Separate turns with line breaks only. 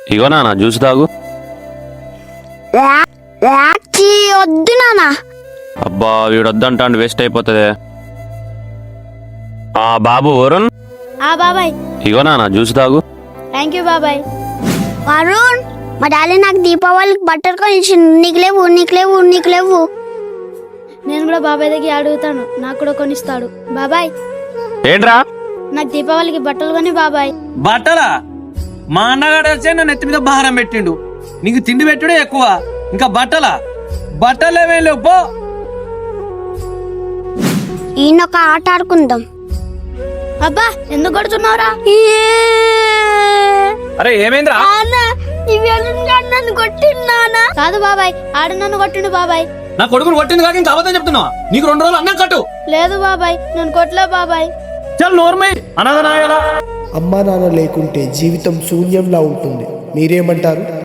ఇగో నాన్న జ్యూస్ తాగు.
వద్దు నానా.
అబ్బా వీడొద్దంటాండి, వేస్ట్ అయిపోతుంది. బాబు వరుణ్,
బాబాయ్.
ఇగో నాన్న జ్యూస్ తాగు.
థ్యాంక్ యూ బాబాయ్.
వరుణ్, మా డాడీ నాకు దీపావళికి బట్టలు కొనిచ్చిండు. నీకు లేవు, నీకు లేవు, నీకు లేవు.
నేను కూడా బాబాయ్ దగ్గర అడుగుతాను, నాకు కూడా కొనిస్తాడు. బాబాయ్
ఏంట్రా?
నాకు దీపావళికి బట్టలు కొని బాబాయ్.
బట్టలా? మా అన్నగాడు వచ్చే నా నెత్తి మీద భారం పెట్టిండు. నీకు తిండి పెట్టుడే ఎక్కువ, ఇంకా బట్టలా? బట్టలేమేం లేవు పో.
ఈయనొక ఆట ఆడుకుందాం.
అబ్బా ఎందుకు కొడుతున్నావురా?
అరే ఏమైందిరా?
నన్ను కొట్టిండు.
కాదు బాబాయ్, ఆడు నన్ను కొట్టిండు బాబాయ్.
నా కొడుకుని కొట్టింది కాక ఇంకా అబద్ధం చెప్తున్నావా? నీకు 2 రోజులు అన్నం కట్టు.
లేదు బాబాయ్, నేను కొట్టలే బాబాయ్.
చల్ నోర్మై అనాథనాయాలా.
అమ్మా నాన్న లేకుంటే జీవితం శూన్యంలా ఉంటుంది. మీరేమంటారు?